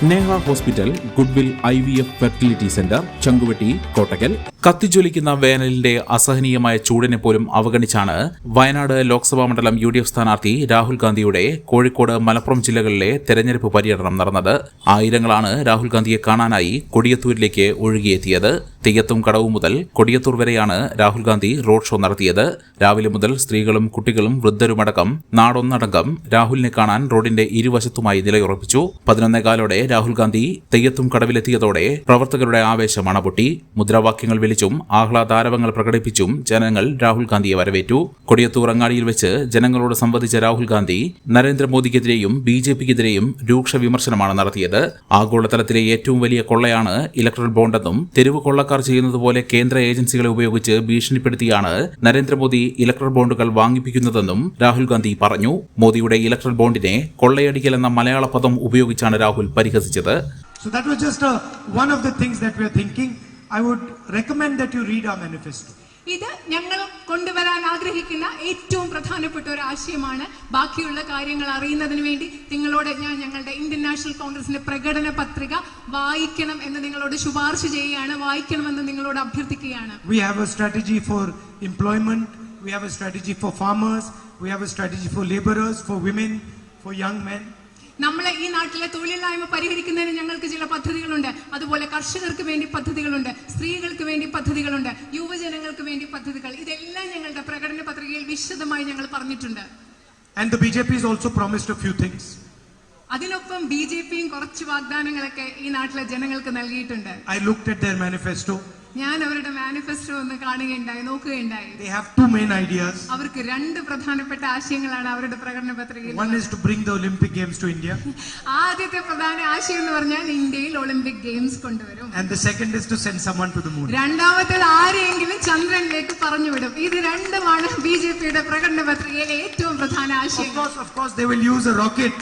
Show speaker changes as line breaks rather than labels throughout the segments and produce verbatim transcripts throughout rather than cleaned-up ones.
Neha hospital, goodwill I V F fertility centre, Changuvetty, Kottakkal. കത്തിജ്വലിക്കുന്ന വേനലിന്റെ അസഹനീയമായ ചൂടിനെ പോലും അവഗണിച്ചാണ് വയനാട് ലോക്സഭാ മണ്ഡലം യു ഡി എഫ് സ്ഥാനാർത്ഥി രാഹുൽ ഗാന്ധിയുടെ കോഴിക്കോട്, മലപ്പുറം ജില്ലകളിലെ തെരഞ്ഞെടുപ്പ് പര്യടനം നടന്നത്. ആയിരങ്ങളാണ് രാഹുൽ ഗാന്ധിയെ കാണാനായി കൊടിയത്തൂരിലേക്ക് ഒഴുകിയെത്തിയത്. തെയ്യത്തും കടവ് മുതൽ കൊടിയത്തൂർ വരെയാണ് രാഹുൽ ഗാന്ധി റോഡ് ഷോ നടത്തിയത്. രാവിലെ മുതൽ സ്ത്രീകളും കുട്ടികളും വൃദ്ധരുമടക്കം നാടൊന്നടങ്കം രാഹുലിനെ കാണാൻ റോഡിന്റെ ഇരുവശത്തുമായി നിലയുറപ്പിച്ചു. പതിനൊന്നേകാലോടെ രാഹുൽ ഗാന്ധി തെയ്യത്തും കടവിലെത്തിയതോടെ പ്രവർത്തകരുടെ ആവേശം അണപൊട്ടി. മുദ്രാവാക്യങ്ങൾ വിളിച്ചും ആഹ്ലാദാരവങ്ങൾ പ്രകടിപ്പിച്ചും ജനങ്ങൾ രാഹുൽ ഗാന്ധിയെ വരവേറ്റു. കൊടിയത്തൂർ അങ്ങാടിയിൽ വെച്ച് ജനങ്ങളോട് സംവദിച്ച രാഹുൽ ഗാന്ധി നരേന്ദ്രമോദിക്കെതിരെയും ബി ജെ പിക്കെതിരെയും രൂക്ഷ വിമർശനമാണ് നടത്തിയത്. ആഗോളതലത്തിലെ ഏറ്റവും വലിയ കൊള്ളയാണ് ഇലക്ട്രൽ ബോണ്ടെന്നും തെരുവ് കൊള്ളക്കാർ ചെയ്യുന്നത് പോലെ കേന്ദ്ര ഏജൻസികളെ ഉപയോഗിച്ച് ഭീഷണിപ്പെടുത്തിയാണ് നരേന്ദ്രമോദി ഇലക്ട്രൽ ബോണ്ടുകൾ വാങ്ങിപ്പിക്കുന്നതെന്നും രാഹുൽ ഗാന്ധി പറഞ്ഞു. മോദിയുടെ ഇലക്ട്രൽ ബോണ്ടിനെ കൊള്ളയടിക്കൽ എന്ന മലയാള പദം ഉപയോഗിച്ചാണ് Rahul പരിഹസിച്ചത്.
So that was just uh, one of the things that we are thinking. I would recommend that you read our manifesto.
ഇത് ഞങ്ങൾ കൊണ്ടുവരാൻ ആഗ്രഹിക്കുന്ന ഏറ്റവും പ്രധാനപ്പെട്ട ഒരു ആശയമാണ്. ബാക്കിയുള്ള കാര്യങ്ങൾ അറിയുന്നതിന് വേണ്ടി നിങ്ങളോട് ഞാൻ ഞങ്ങളുടെ ഇന്ത്യൻ നാഷണൽ കോൺഗ്രസിന്റെ പ്രകടന പത്രിക വായിക്കണം എന്ന് നിങ്ങളോട് ശുപാർശ ചെയ്യുകയാണ്. വായിക്കണമെന്ന് നിങ്ങളോട് അഭ്യർത്ഥിക്കുകയാണ്.
We have a strategy for employment, we have a strategy for farmers, we have a strategy for laborers, for women, for young men.
നമ്മളെ ഈ നാട്ടിലെ തൊഴിലില്ലായ്മ പരിഹരിക്കുന്നതിന് ഞങ്ങൾക്ക് ചില പദ്ധതികളുണ്ട്. അതുപോലെ കർഷകർക്ക് വേണ്ടി പദ്ധതികളുണ്ട്, സ്ത്രീകൾക്ക് വേണ്ടി പദ്ധതികളുണ്ട്, യുവജനങ്ങൾക്ക് വേണ്ടി പദ്ധതികൾ. ഇതെല്ലാം ഞങ്ങളുടെ പ്രകടന പത്രികയിൽ വിശദമായി ഞങ്ങൾ പറഞ്ഞിട്ടുണ്ട്.
And the B J P has also promised a few things.
അതിനൊപ്പം ബി ജെ പിയും കുറച്ച് വാഗ്ദാനങ്ങളൊക്കെ ഈ നാട്ടിലെ ജനങ്ങൾക്ക് നൽകിയിട്ടുണ്ട്.
I looked at their manifesto.
ഞാൻ അവരുടെ മാനിഫെസ്റ്റോ ഒന്ന് കാണുകയുണ്ടായി, നോക്കുകയുണ്ടായി.
They have two main ideas.
അവർക്ക് രണ്ട് പ്രധാനപ്പെട്ട ആശയങ്ങളാണ് അവരുടെ പ്രകടന പത്രികയിൽ.
One is to bring the Olympic Games to India.
ആദ്യത്തെ പ്രധാന ആശയം എന്ന് പറഞ്ഞാൽ ഇന്ത്യയിൽ ഒളിമ്പിക് ഗെയിംസ് കൊണ്ടുവരും.
And the second is to send someone to the moon.
രണ്ടാമത്തേത് ആരെയെങ്കിലും ചന്ദ്രനിലേക്ക് പറഞ്ഞുവിടും. ഇത് രണ്ടുമാണ് ബി ജെ പിയുടെ പ്രകടന പത്രികയിലെ ഏറ്റവും പ്രധാന ആശയം.
Of course, of course, they will use a rocket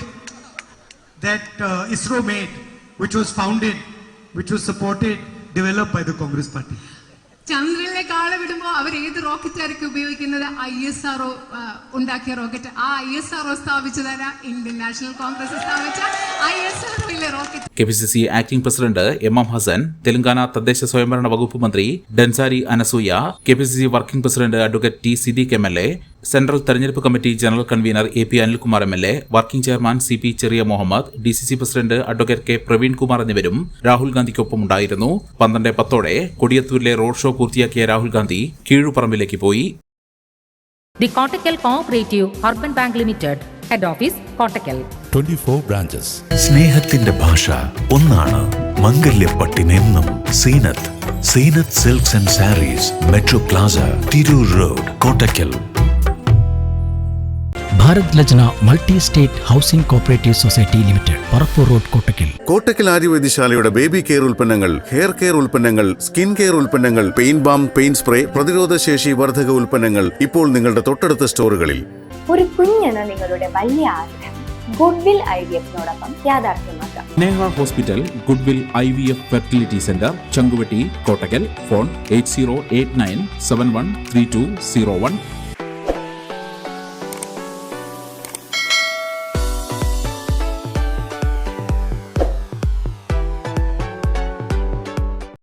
that uh, ISRO made, which was founded, which was supported, developed by the Congress Party.
ചന്ദ്രനിലേക്ക് ആളെ വിടുമ്പോൾ അവർ ഏത് റോക്കറ്റ് ആയിരിക്കും ഉപയോഗിക്കുന്നത്? ഐ എസ് ആർ ഒ ഉണ്ടാക്കിയ റോക്കറ്റ്. ആ ഐ എസ് ആർ ഒ സ്ഥാപിച്ചതല്ല, Indian National Congress സ്ഥാപിച്ച I S R ഒയിലെ rocket.
K P C C acting president M M Hasan, Telangana തദ്ദേശ സ്വയംഭരണ വകുപ്പ് മന്ത്രി Dansari Anasuya, K P C C working president advocate T Siddique M L A, central തെരഞ്ഞെടുപ്പ് committee general convener A P Anilkumar M L A, working chairman C P Cheriya Muhammad, D C C president advocate K Praveen Kumar എന്നിവരും രാഹുൽ ഗാന്ധിക്കൊപ്പം ഉണ്ടായിരുന്നു. പന്ത്രണ്ട് പത്തോടെ കൊടിയത്തൂരിലെ road show പൂർത്തിയാക്കിയ രാഹുൽ ഗാന്ധി കീഴുപറമ്പിലേക്ക് പോയി.
The Kottakkal cooperative urban bank limited, head office Kottakkal,
twenty-four branches.
സ്നേഹത്തിന്റെ ഭാഷ ഒന്നാണ്. മംഗല്യപ്പട്ടിനെന്നും Zeenath Zeenath silks and sarees, metro plaza, Tirur road, Kottakkal.
Bharat Lajna multi state housing cooperative society limited, Parappur road, Kottakkal.
Kottakkal ആര്യവൈദ്യശാലയുടെ ബേബി കെയർ ഉൽപ്പന്നങ്ങൾ, ഹെയർ കെയർ ഉൽപ്പന്നങ്ങൾ, സ്കിൻ കെയർ ഉൽപ്പന്നങ്ങൾ, പെയിൻ ബാം, പെയിൻ സ്പ്രേ, പ്രതിരോധ ശേഷി വർധക ഉൽപ്പന്നങ്ങൾ ഇപ്പോൾ നിങ്ങളുടെ തൊട്ടടുത്ത സ്റ്റോറുകളിൽ.
ഒരു കുഞ്ഞെന്ന നിങ്ങളുടെ വലിയ ആഗ്രഹം ഗുഡ്വിൽ ഐ വി എഫിനോടൊപ്പം യാഥാർത്ഥ്യമാക്കാം.
Neha hospital, goodwill I V F fertility centre, Changuvetty, Kottakkal. Phone eight zero eight nine seven one three two zero one.